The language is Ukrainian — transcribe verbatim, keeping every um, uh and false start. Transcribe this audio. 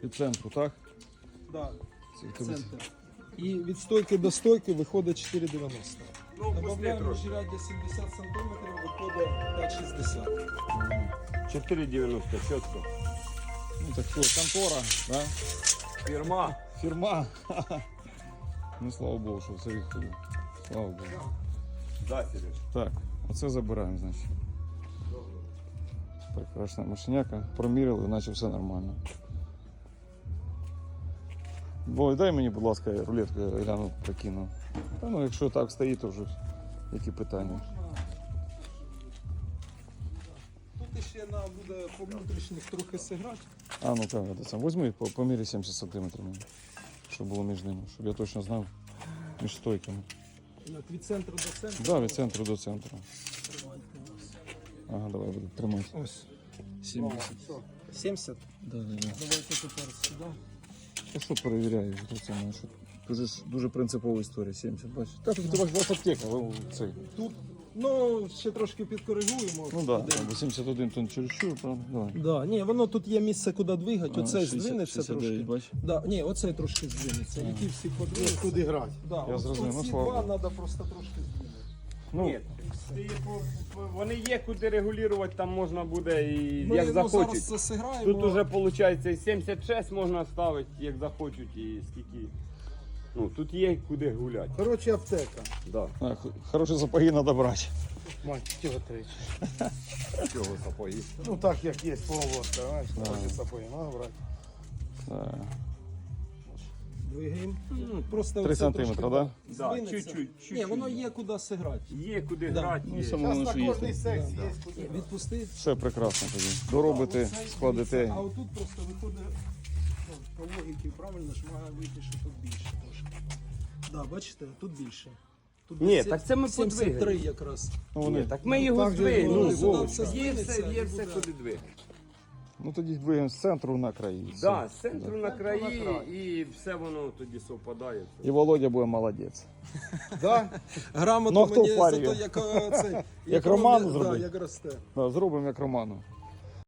Від центру, так? Да, Це центр. І від стойки до стойки виходить чотири дев'яносто. Ну, Добавляємо міжряддя сімдесят сантиметрів, виходить п'ять шістдесят. чотири дев'яносто, чітко. Ну так що, контора, да? Фірма. Фірма. Ну слава Богу, що це відходить. Слава Богу. Да, Сереж. Так, оце забираємо, значить. Прекрасна машиняка. Проміряли, наче все нормально. Бо дай мені, будь ласка, рулетку, я гляну, прикину. Та ну, якщо так стоїть, то вже які питання. Тут ще нам буде по внутрішніх трохи зіграти. А ну так, це сам. Возьми по, по мірі сімдесят сантиметрів, мені, щоб було між ними, щоб я точно знав між стойками. Як від центру до центру. Так, да, від центру до центру. Тримайте ось. Ага, давай буду тримати. Ось. сімдесят. сімдесят. Да, да, да. Давайте тепер сюди. Я що перевіряю? Це моє, що дуже, ж- дуже принципова історія, сімдесят, бачиш. Так, у тебе ж ваша аптека, ви цей. Тут, ну, ще трошки підкоригуємо. Ну так, да, або сімдесят один тонн чересчур, правда? Давай. Да, ні, воно тут є місце, куди двигати. А, Оцей шістдесят, здвинешся шістдесят трошки. дев'ять, бачиш? Да, ні, оцей трошки здвинеться. І ті всі подвинуться. Куди грати? Да, Я от зрозумів, ну, ці слава два Богу. треба просто трошки здвинути. Ну, Ні, ти по- по- вони є куди регулювати, там можна буде і Ми як ну, захочуть. зараз це зіграємо. Тут уже виходить і сімдесят шість можна ставити, як захочуть, і скільки. Ну, тут є куди гуляти. Коротше, аптека. Да. а, х- хороші сапоги треба брати. Мать, чого тричі. Чого сапоги? Ну так як є половодка, знаєш, коротше, сапоги треба брати. Да. Двигаємо. Ну, просто Три оце сантиметра, трошки да? Да, здвинеться. чуть-чуть, чуть-чуть. Ні, воно є куди зіграти. Є куди Да. грати. Ну, є. само Зараз воно на що є. кожний секс Да, є да. куди. Відпусти. Все прекрасно тоді. Доробите, Оце, складете. А отут просто виходить, ну, по логіці правильно ж має вийти, що тут більше трошки. Да, бачите, тут більше. Тут Ні, десь так це ми сімдесят три подвигаємо. якраз. Ну, Ні, вони, так ми його так же здвинемо. воно Ну, сюди Вовочка. все Є здвинеться, все, є і все буде. куди двигати. ну тоді двигаємо з центру на краї. Все. Да, з центру на краї і все воно тоді совпадає. І Володя буде молодець. Да? Грамотно Ну, хто мені за впарює? те, як, е, це, Як воно Роман м'я- зробить? Да, як росте. Да, зробимо як Роману.